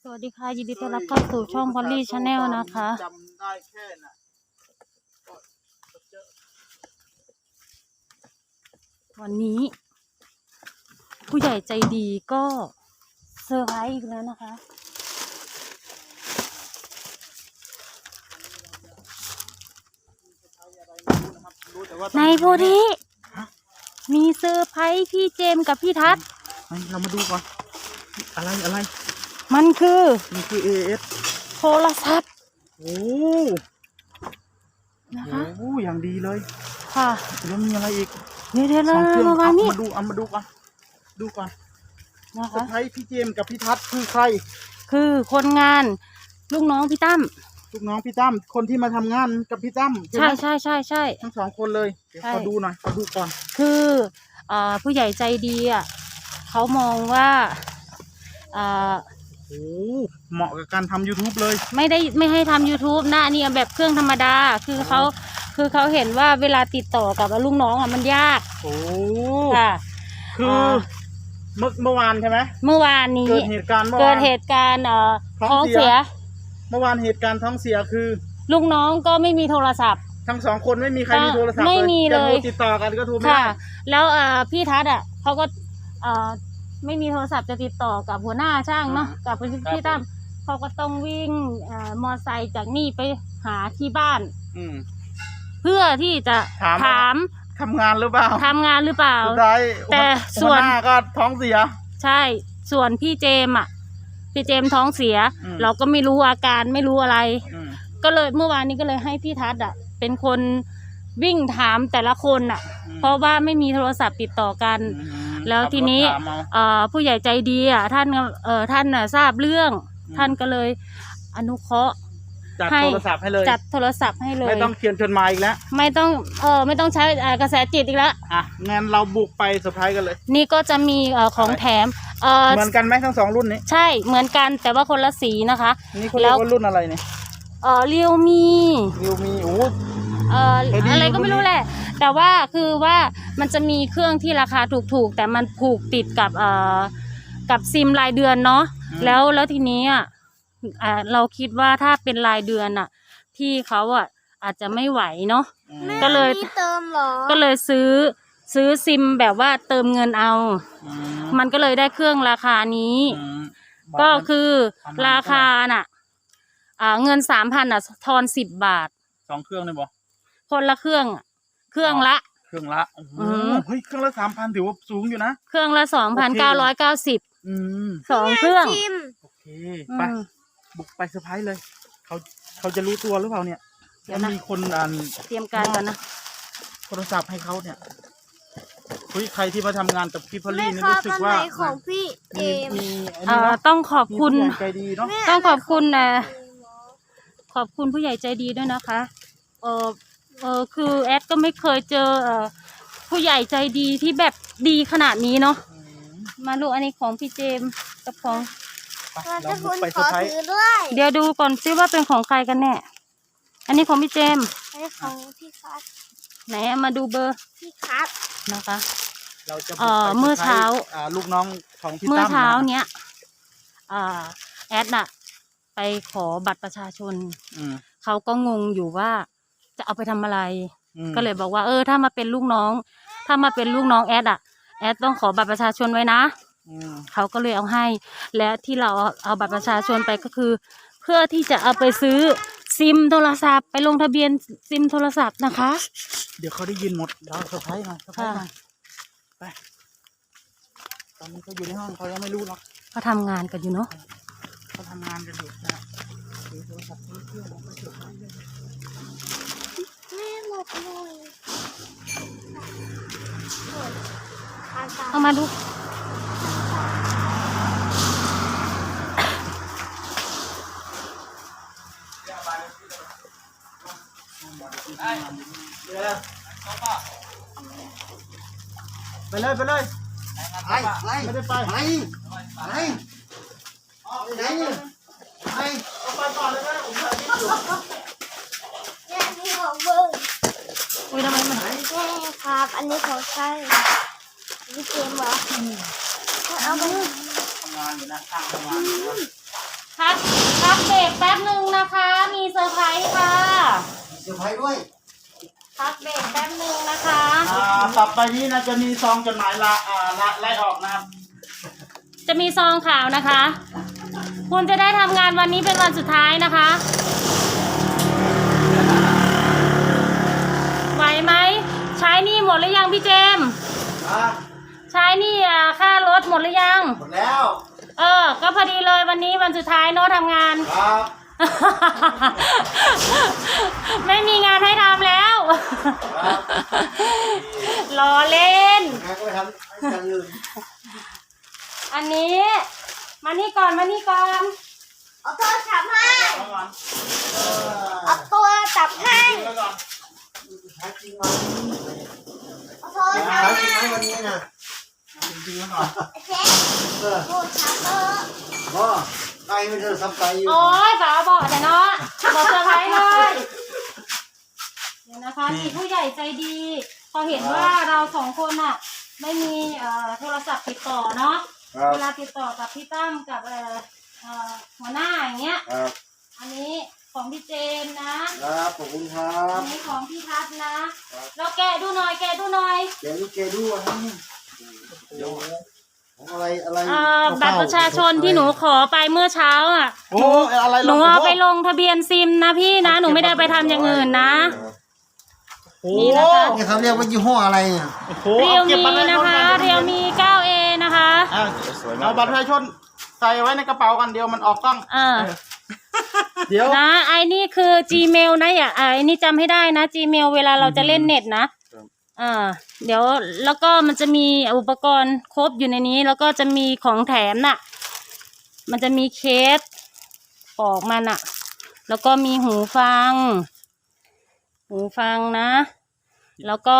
สวัสดีค่ะยินดีต้อนรับเข้าสู่ช่องพอลลี่ชาแนลนะคะจำได้แค่น่ะวันนี้ผู้ใหญ่ใจดีก็เซอร์ไพรส์อีกแล้วนะคะในโพธิมีเซอร์ไพรส์พี่เจมส์กับพี่ทัศน์เรามาดูก่อนอะไรมันคือ AS โทรศัพท์โอ้นะคะโอ้อย่างดีเลยค่ะแล้วมีอะไรอีกเดี๋ยวสองเครื่องมานี่มาดูก่อนนะคะใครพี่เจมส์กับพี่ทัศน์คือใครคือคนงานลูกน้องพี่ตั้มลูกน้องพี่ตั้มคนที่มาทำงานกับพี่ตั้มใช่ทั้งสองคนเลยเดี๋ยวขอดูหน่อยขอดูก่อนคือผู้ใหญ่ใจดีเขามองว่าโอ้เหมาะกับการทำ YouTube เลยไม่ให้ทำ YouTube นะอันนี้แบบเครื่องธรรมดาคือเขาเห็นว่าเวลาติดต่อกับลูกน้องมันยากโอ้ค่ะคือเมื่อวานใช่ไหมเมื่อวานนี้เกิดเหตุการณ์ท้องเสียเมื่อวานเหตุการณ์ท้องเสียคือลูกน้องก็ไม่มีโทรศัพท์ทั้งสองคนไม่มีใครมีโทรศัพท์ไม่มีเลยติดต่อกันก็โทรไม่ได้แล้วพี่ทัศน์เขาก็ไม่มีโทรศัพท์จะติดต่อกับหัวหน้าช่างเนาะกับพี่ตั้มเขาก็ต้องวิ่งมอไซค์จากนี่ไปหาที่บ้านเพื่อที่จะถามทำงานหรือเปล่าแต่ส่วนก็ท้องเสียใช่ส่วนพี่เจมท้องเสียเราก็ไม่รู้อาการไม่รู้อะไรก็เลยเมื่อวานนี้ก็เลยให้พี่ทัศน์เป็นคนวิ่งถามแต่ละคนเพราะว่าไม่มีโทรศัพท์ติดต่อกันแล้วทีนี้ผู้ใหญ่ใจดีท่านทราบเรื่องท่านก็เลยอนุเคราะห์จัดโทรศัพท์ให้เลยไม่ต้องเขียนจดหมายอีกแล้วไม่ต้องใช้กระแสจิตอีกแล้วงั้นเราบุกไปเซอร์ไพรส์กันเลยนี่ก็จะมีของแถมเหมือนกันไหมทั้งสองรุ่นนี้ใช่เหมือนกันแต่ว่าคนละสีนะคะนี่เขาเรียกว่ารุ่นอะไรเนี่ยเรียวมีโอ้อะไรก็ไม่รู้แหละแต่ว่าคือว่ามันจะมีเครื่องที่ราคาถูกๆแต่มันผูกติดกับซิมรายเดือนเนาะแล้วทีนี้เราคิดว่าถ้าเป็นรายเดือนพี่เขาอาจจะไม่ไหวเนาะก็เลยซื้อซิมแบบว่าเติมเงินเอามันก็เลยได้เครื่องราคานี้ก็คือราคาเงิน 3,000 ทอน10 บาท 2 เครื่องเลยบ่คนละเครื่องละโอ้โหเฮ้ยเครื่องละ 3,000ถือว่าสูงอยู่นะเครื่องละ 2,990 2 เครื่องโอเคไปบุกไปเซอร์ไพรส์เลยเขาจะรู้ตัวหรือเปล่าเนี่ยมีคนเตรียมการกันนะโทรศัพท์ให้เขาเนี่ยใครที่มาทำงานกับพี่พอลลี่นี่รู้สึกว่าของพี่เอมต้องขอบคุณใจดีเนาะต้องขอบคุณขอบคุณผู้ใหญ่ใจดีด้วยนะคะคือแอดก็ไม่เคยเจอผู้ใหญ่ใจดีที่แบบดีขนาดนี้เนาะมาลูกอันนี้ของพี่เจมกับของเราจะไปขอถือด้วยเดี๋ยวดูก่อนซิว่าเป็นของใครกันแน่อันนี้ของพี่เจมอันนี้ของพี่คัทไหนมาดูเบอร์พี่คัทนะคะเราจะเมื่อเช้าลูกน้องของพี่ตั้มเมื่อเช้าเนี้ยแอดไปขอบัตรประชาชนเขาก็งงอยู่ว่าจะเอาไปทำอะไรก็เลยบอกว่าถ้ามาเป็นลูกน้องแอดต้องขอบัตรประชาชนไว้นะเขาก็เลยเอาให้และที่เราเอาบัตรประชาชนไปก็คือเพื่อที่จะเอาไปซื้อซิมโทรศัพท์ไปลงทะเบียนซิมโทรศัพท์นะคะเดี๋ยวเขาได้ยินหมดเราเซอร์ไพรส์มาไปตอนนี้เขาอยู่ในห้องเขายังไม่รู้หรอกเขาทำงานกันอยู่เนาะเขาทำงานกันอยู่นะโทรศัพท์เครื่องไปเซอร์ไพรส์เลยแม่หมดเลยเอามาดูไปเลยไม่ได้ไปไหนเอาไปก่อนเลยนะผมถ่ายคลิปอยู่นี่ของเบิ้งทำไมมันครับอันนี้ของใครพี่เจมเหรอเอาไปทำงานอยู่นะทำงานด้วยพักเบรกแป๊บนึงนะคะต่อไปนี้นะจะมีซองจดหมายไล่ออกนะครับจะมีซองข่าวนะคะ คุณจะได้ทำงานวันนี้เป็นวันสุดท้ายนะคะ ไหวไหม ใช้หนี่หมดหรือยังพี่เจมส์ ใช้หนี่ค่ารถหมดหรือยังหมดแล้วก็พอดีเลยวันนี้วันสุดท้ายโน้ตทำงานครับไม่มีงานให้ทำแล้ว รอเล่นงานก็ไปทำอย่างอื่นอันนี้ มานี่ก่อน มานี่ก่อนเอาโทรศัพท์ให้เอาก่อนเอาโทรศัพท์ให้เอาก่อนใช้จริงไหมเอาโทรศัพใช้ท์จริงให้ไหมวันนี้นะจริงๆแล้วก่อนเช็คโทรศัพท์ก็ใครไม่เจอซับไตอยู่โอ้ยฝาบอกแต่เนาะบอกเซอร์ไพรส์เลยเดี๋ยวนะคะมีผู้ใหญ่ใจดี พอเห็นว่าเราสองคนน่ะ ไม่มีโทรศัพท์ติดต่อเนาะครับเวลาติดต่อกับพี่ตั้มกับหัวหน้าอย่างเงี้ยครับอันนี้ของพี่เจนนะครับขอบคุณครัอับนนี้ของพี่ทัศน์นะแล้วแกะดูหน่อยแกะดูหน่อยเดี๋ยวลูกเกดูอะไรเนี่ยเดี๋ยวของอะไรบัตรประชาชนที่หนูขอไปเมื่อเช้าอ่ะโอ้อะไรหนูเอาไปลงทะเบียนซิมนะพี่นะหนูไม่ได้ไปทำอย่างอื่นนะโอ้นี่นะคะนี่เขาเรียกว่ายี่ห้ออะไรเนี่ยโอ้โหเรียวอาก็บมีบัตรปรชาชนะคะก่อเรียวมี 9A นะคะเอาบัตรประชาชนใส่ไว้ในกระเป๋ากันเดียวมันออกกล้อง เดี๋ยวนะไอ้นี่คือ Gmail นะอย่าไอ้นี่จำให้ได้นะ Gmail เวลาเราจะเล่นเน็ตนะเดี๋ยวแล้วก็มันจะมีอุปกรณ์ครบอยู่ในนี้ แล้วก็จะมีของแถมน่ะ มันจะมีเคสปอกมันอ่ะ แล้วก็มีหูฟังนะ แล้วก็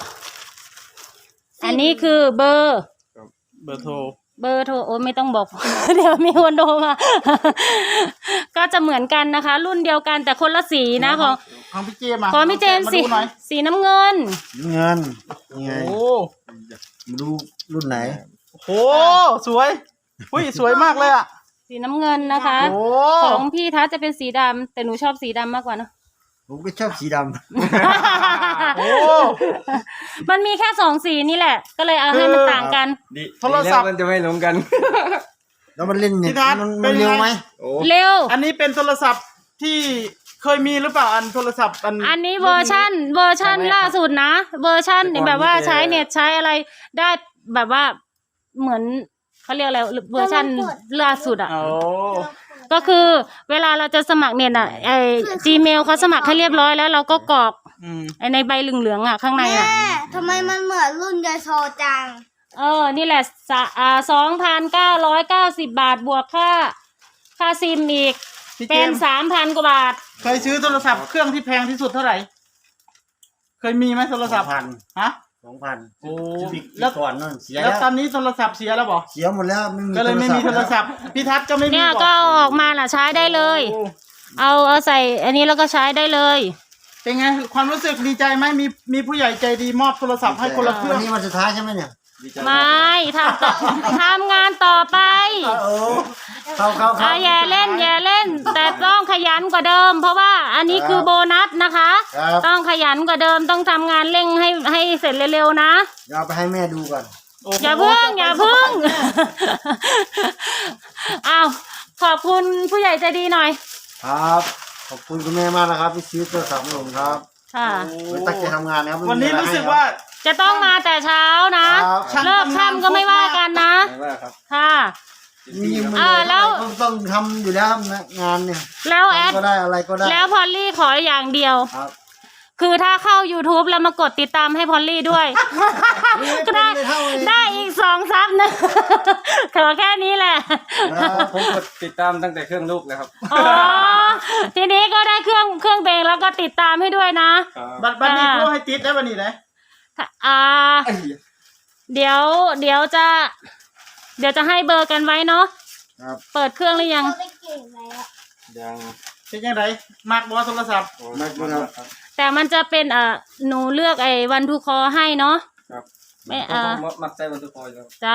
อันนี้คือเบอร์เบอร์โทรโอ้ไม่ต้องบอก เดี๋ยวมีคนโทรมา ก็จะเหมือนกันนะคะ รุ่นเดียวกันแต่คนละสีนะของพี่เจมส์ของพี่เจมส์มาสีดูหน่อยสีน้ำเงินเงินยังไงโอ้มาดูรุ่นไหนโหสวยอุ้ยสวยมากเลยอ่ะสีน้ำเงินนะคะโอ้ของพี่ทัศน์จะเป็นสีดำแต่หนูชอบสีดำมากกว่าเนอะผมก็ชอบสีดโอ้มันมีแค่2สีนี่แหละ ก็เลยเอาให้มันต่างกันโทรศัพท์มันจะไม่ลงกันำแล้วมันเล่นเน็ตพี่ทัศน์มันเป็นไงเร็วไหมเร็วอันนี้เป็นโทรศัพท์ที่เคยมีหรือเปล่าอันโทรศัพท์อันนี้เวอร์ชั่นล่าสุดนะ เวอร์ชั่นแบบว่าใช้เน็ตใช้อะไรได้แบบว่าเหมือนเขาเรียกอะไรเวอร์ชันล่าสุดอ่ะโอ้ก็คือเวลาเราจะสมัครเน็ตอ่ะGmail เขาสมัครให้เรียบร้อยแล้วเราก็กรอก ไอ้ในใบเหลืองๆอ่ะข้างในอ่ะแม่ทำไมมันเหมือนรุ่นยายโซจังนี่แหละ2,990 บาทบวกค่าซิมอีกพี่เจเป็นมส์ 3,000 กว่าบาทเคยซื้อโทรศัพท์เครื่องที่แพงที่สุดเท่าไหร่ เคยมีไหมโทรศัพท์ 2,000 ฮะ 2,000 โอ้แล้วก่อนนั่นเสียแล้แล้ว วตอนนี้โทรศัพท์เสียแล้วบอกเสียหมดแล้วไม่มีก็เลยไม่มีโทรศัพท์พี่ทัศน์ก็ไม่มีเนี่ยบอกก็เอาออกมาล่ะใช้ได้เลยโอ้เอาใส่อันนี้แล้วก็ใช้ได้เลยเป็นไงความรู้สึกดีใจไหมมีผู้ใหญ่ใจดีมอบโทรศัพท์ให้คนละเครื่วัอน งนี้วันสุดท้ายใช่ไหมเนี่ยไม่ทำงานต่อไปโอ้เข้าอย่าเล่น แต่ต้องขยันกว่าเดิม เพราะว่าอันนี้คือโบนัสนะคะครับต้องขยันกว่าเดิมต้องทำงานเร่งให้เสร็จเร็วๆนะเดี๋ยวเอาไปให้แม่ดูก่อนโอ้โหอย่าพึ่ง อ้าวขอบคุณผู้ใหญ่ใจดีหน่อยครับ ขอบคุณคุณแม่มากนะครับที่ซื้อโทรศัพท์ให้ผมครับค่ะไว้ตั้งใจทำงานนะครับไม่มีวันนี้อะไรู้สึกว่าจะต้องมาแต่เช้านะครับเลิกค่ำก็ไม่ว่ากันนะไม่ว่าครับค่ะมีมืแล้วต้องทำอยู่แล้วครับงานเนี่ยแล้วแอดทำก็ได้อะไรก็ได้แล้วพอลลี่ขออย่างเดียวครับคือถ้าเข้า YouTube แล้วมากดติดตามให้พอลลี่ด้วย ก็ได้อีก2 ซับนะ ขอแค่นี้แหละผมกดติดตามตั้งแต่เครื่องลูกเลยครับอ๋อ ทีนี้ก็ได้เครื่องเบงแล้วก็ติดตามให้ด้วยนะบัตรนี้พวกให้ติดได้วันนี้เลยเดี๋ยวจะให้เบอร์กันไว้เนาะครับเปิดเครื่องหรือยังเราไปเก่งแล้วยังเป็นยังไงมากบอโทรศัพท์ไม่เป็นไรครับแต่มันจะเป็นหนูเลือกไอ้วันทูคอให้เนาะครับไม่ผมมักใช้วันทุกคนครับจ้า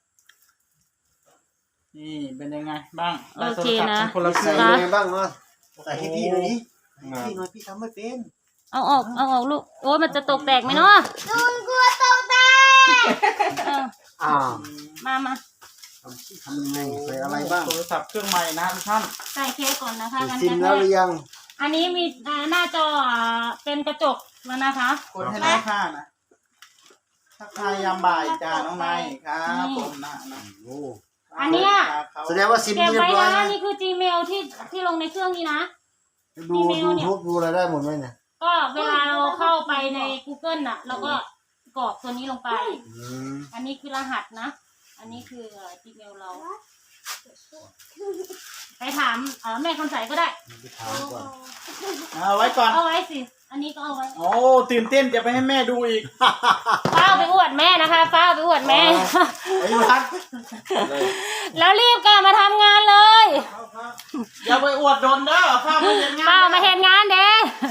นี่เป็นยังไงบ้างได้โอโทรเคศัพท์นะเป็นคนละเคใส่รื่องยังไงบ้างเนาะใส่ให้พี่หน่อยดิให้พี่หน่อยพี่ทำไม่เป็นเอาออกลูกโอ้ยมันจะตกแตกไหมเนาะดูกลัวตกได้เอออ้าวมาทำยังไงใส่อะไรบ้างโทรศัพท์เครื่องใหม่นะทุกท่านใส่เคสก่อนนะคะติดกันซิมกระแล้วหแทรืกอยังอันนี้มีหน้าจอเป็นกระจกแล้วนะคะกดให้น้องข้านะทักทายยามบ่ายจ้าน้องนายครับผมนะโอ้อันเนี้ยแสดงว่าซิมเก็บเรียไว้บร้อยนะนะนี่คือ Gmail ที่ลงในเครื่องนี้นะดูอีเมลเนี่ยทูบดูอะไรได้หมดไหมเนี่ยก็เวลาเราเข้าไปใน Google น่ะเราก็กรอกตัวนี้ลงไปอืมอันนี้คือรหัสนะ อันนี้คือGmail เรา ไปถามแม่คำใสก็ได้ไปถามก่อนเอาไว้ก่อนเอาไว้สิ อันนี้ก็เอาไว้โอ้ตื่นเต้นจะไปให้แม่ดูอีกป้าเอาไปอวดแม่นะคะป้าเอาไปอวดแม่ไอ้พักเลยแล้วรีบกลับมาทำงานเลยอย่าไปอวดโดนเด้อข้าวมันเย็นงานป้ามาเห็นงานเด้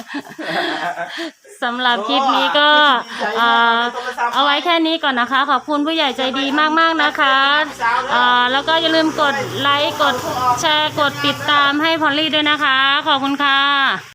สำหรับคลิปนี้ก็เอาไว้แค่นี้ก่อนนะคะ ขอบคุณผู้ใหญ่ใจดีมากๆนะคะแล้วก็อย่าลืมกดไลค์กดแชร์กดติดตามให้พอลลี่ด้วยนะคะ ขอบคุณค่ะ